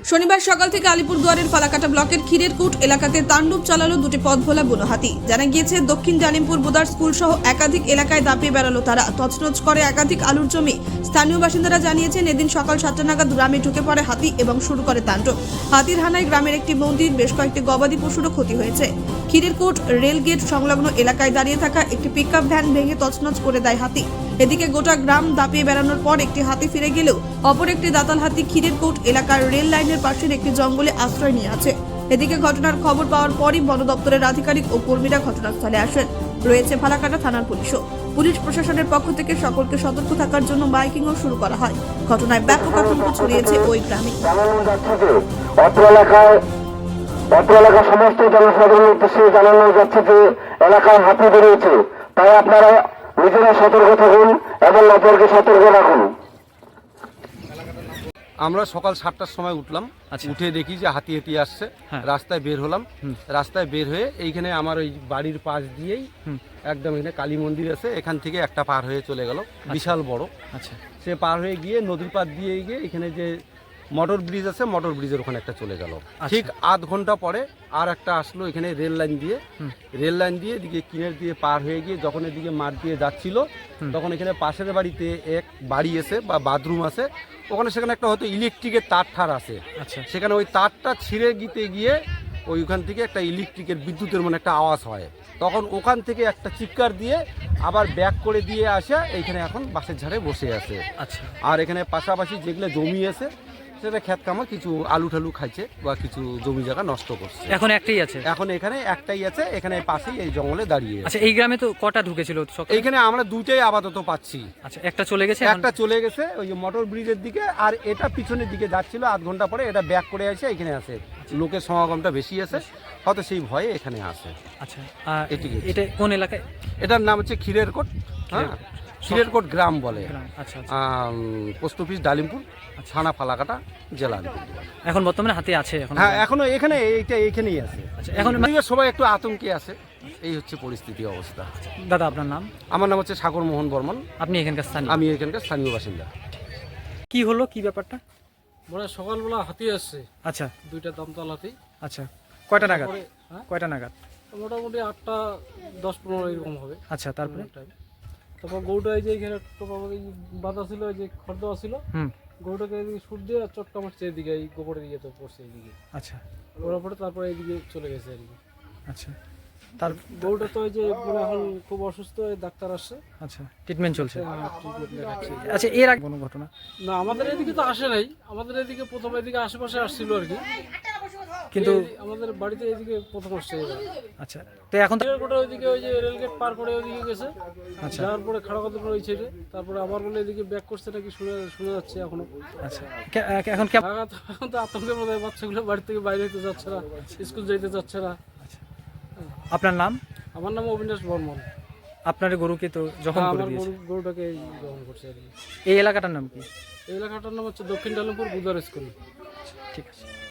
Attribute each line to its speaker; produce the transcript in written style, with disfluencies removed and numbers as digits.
Speaker 1: শনিবার সকাল থেকে আলিপুরদুয়ারের ফালাকাটা ব্লকের ক্ষীরেরকুট এলাকাতে তাণ্ডব চালালো দুটি পথভোলা বুনো হাতি। জানা গিয়েছে দক্ষিণ জালিমপুর বোদার স্কুল সহ একাধিক এলাকায় দাপিয়ে বেড়ালো তারা, তছনছ করে একাধিক আলুর জমি। স্থানীয় বাসিন্দারা জানিয়েছেন এদিন সকাল 7টা নাগাদ গ্রামে ঢুকে পড়ে হাতি এবং শুরু করে তাণ্ডব। হাতির হানায় গ্রামের একটি মন্দির, বেশ কয়েকটি গবাদি পশুরও ক্ষতি হয়েছে। ক্ষীরেরকুট রেলগেট সংলগ্ন এলাকায় দাঁড়িয়ে থাকা একটি পিকআপ ভ্যান ভেঙে তছনছ করে দেয় হাতি। এদিকে গোটা গ্রাম দাপিয়ে বেড়ানোর পর একটি হাতি ফিরে গেলেও অপর একটি দাতাল হাতি ক্ষীরেরকুট এলাকার রেল লাইনের পাশের একটি জঙ্গলে আশ্রয় নিয়ে আছে। এদিকে ঘটনার খবর পাওয়ার পরই বন দপ্তরের আধিকারিক ও কর্মীরা ঘটনাস্থলে আসেন। রয়েছে ফালাকাটা থানার পুলিশও। পুলিশ প্রশাসনের পক্ষ থেকে সকলকে সতর্ক থাকার জন্য মাইকিংও শুরু করা হয়। ঘটনায় ব্যাপক আতঙ্ক ছড়িয়েছে ওই গ্রামে।
Speaker 2: অত্র এলাকার সমস্ত জনসাধারণের উদ্দেশ্যে জানানো যাচ্ছে যে এলাকায় হাতি বেরিয়েছে, তাই আপনারা নিজেরা সতর্ক থাকুন এবং অপরকে সতর্ক রাখুন।
Speaker 3: আমরা সকাল 7টার সময় উঠলাম, উঠে দেখি যে হাতি হাতি আসছে। রাস্তায় বের হলাম, রাস্তায় বের হয়ে এইখানে আমার ওই বাড়ির পাশ দিয়েই একদম এখানে কালী মন্দির আছে, এখান থেকে একটা পার হয়ে চলে গেল, বিশাল বড়। সে পার হয়ে গিয়ে নদীর পাড় দিয়ে গিয়ে এখানে যে মোটর ব্রিজ আছে, মোটর ব্রিজের ওখানে একটা চলে গেল। ঠিক আধ ঘন্টা পরে আর একটা আসলো এখানে রেল লাইন দিয়ে এদিকে কিনের দিয়ে পার হয়ে গিয়ে যখন এদিকে মাঠ দিয়ে যাচ্ছিল, তখন এখানে পাশের বাড়িতে এক বাড়ি আছে বা বাথরুম আছে, ওখানে সেখানে একটা হয়তো ইলেকট্রিকের তার আছে। সেখানে ওই তারটা ছিঁড়ে গিয়ে ওইখান থেকে একটা ইলেকট্রিকের বিদ্যুতের মানে একটা আওয়াজ হয়, তখন ওখান থেকে একটা চিৎকার দিয়ে আবার ব্যাক করে দিয়ে আসে এইখানে এখন বাসের ঝাড়ে বসে আছে। আর এখানে পাশাপাশি যেগুলো জমি আছে সেটা ক্ষেত কামা কিছু আলু ঠালু খাইছে বা কিছু জমি জায়গা নষ্ট করছে।
Speaker 4: এখন একটাই আছে,
Speaker 3: এখন এখানে একটাই আছে, এখানে পাশেই এই জঙ্গলে দাঁড়িয়ে।
Speaker 4: আচ্ছা, এই গ্রামে তো কটা ঢুকেছিল?
Speaker 3: এইখানে আমরা দুইটাই আপাতত পাচ্ছি।
Speaker 4: আচ্ছা, একটা চলে গেছে,
Speaker 3: ওই যে মোটর ব্রিজের দিকে, আর এটা পিছনের দিকে যাচ্ছিল, আধ ঘন্টা পরে এটা ব্যাক করে আসে এখানে আসে। লোকের সমাগমটা বেশি আছে, হয়তো সেই ভয়ে এখানে আসে।
Speaker 4: আচ্ছা, এটা কোন এলাকায়?
Speaker 3: এটার নাম হচ্ছে ক্ষীরেরকোট। হ্যাঁ, ক্ষীরেরকোট গ্রাম বলে।
Speaker 4: আচ্ছা,
Speaker 3: পোস্ট অফিস ডালিমপুর, থানা ফালাকাটা, জেলা আলিপুরদুয়ার।
Speaker 4: এখন বর্তমানে হাতে আছে?
Speaker 3: হ্যাঁ, এখনো এখানে এইখানেই আছে।
Speaker 4: আচ্ছা, এখন
Speaker 3: সবাই একটু আতঙ্কে আছে, এই হচ্ছে পরিস্থিতি অবস্থা।
Speaker 4: দাদা, আপনার নাম?
Speaker 3: আমার নাম হচ্ছে সাগর মোহন বর্মন।
Speaker 4: আপনি এখানকার স্থানীয়?
Speaker 3: আমি এখানকার স্থানীয় বাসিন্দা।
Speaker 4: কি হলো, কি ব্যাপারটা?
Speaker 5: মানে সকালবেলা হাতি আসছে।
Speaker 4: আচ্ছা,
Speaker 5: দুইটা দামতাল হাতি।
Speaker 4: আচ্ছা, কয়টা নাগাদ? কয়টা নাগাদ?
Speaker 5: মোটামুটি 8টা 10-15 এরকম হবে।
Speaker 4: আচ্ছা, তারপরে
Speaker 5: তারপর গরুটা এই যে এখানে বাঁধা ছিল, এই যে খড় দেওয়া ছিল, গরুটাকে এদিকে সুট দিয়ে চটকা মারছে এদিকে, এই গোবরের দিকে তো পড়ছে এইদিকে।
Speaker 4: আচ্ছা,
Speaker 5: ওরা পরে তারপরে এইদিকে চলে গেছে আর কি।
Speaker 4: আচ্ছা, তার
Speaker 5: গরুটা তো এই যে মানে এখন খুব অসুস্থ, ডাক্তার আসছে।
Speaker 4: আচ্ছা, ট্রিটমেন্ট চলছে।
Speaker 5: ট্রিটমেন্ট দেখাচ্ছি।
Speaker 4: আচ্ছা, এর আগে কোনো ঘটনা?
Speaker 5: না, আমাদের এদিকে তো আসে নাই। আমাদের এদিকে প্রথম এদিকে আশেপাশে আসছিল আর কি,
Speaker 4: কিন্তু
Speaker 5: আমাদের বাড়িতে এদিকে প্রথম আসছে।
Speaker 4: আচ্ছা, তো এখন
Speaker 5: গোটা ওইদিকে ওই যে রেলগেট পার করে ওইদিকে গেছে।
Speaker 4: আচ্ছা,
Speaker 5: যাওয়ার পরে খাড়াকাতে ওই ছেড়ে তারপরে আবার বলে এদিকে ব্যাক করছে নাকি শোনা যাচ্ছে এখনো।
Speaker 4: আচ্ছা, এখন কেমন?
Speaker 5: এখন তো আতঙ্কের মধ্যে, বাচ্চাগুলো বাড়ি থেকে বাইরে হতে যাচ্ছে না, স্কুল যেতে যাচ্ছে না।
Speaker 4: আপনার নাম?
Speaker 5: আমার নাম অবিনাশ বর্মন।
Speaker 4: আপনার গরুকে তো যখন
Speaker 5: আমার গরুটাকে গ্রহণ করছে আর কি।
Speaker 4: এই এলাকাটার নাম কি?
Speaker 5: এই এলাকাটার নাম হচ্ছে দক্ষিণ ডালিমপুর বুদার স্কুল।
Speaker 4: ঠিক আছে।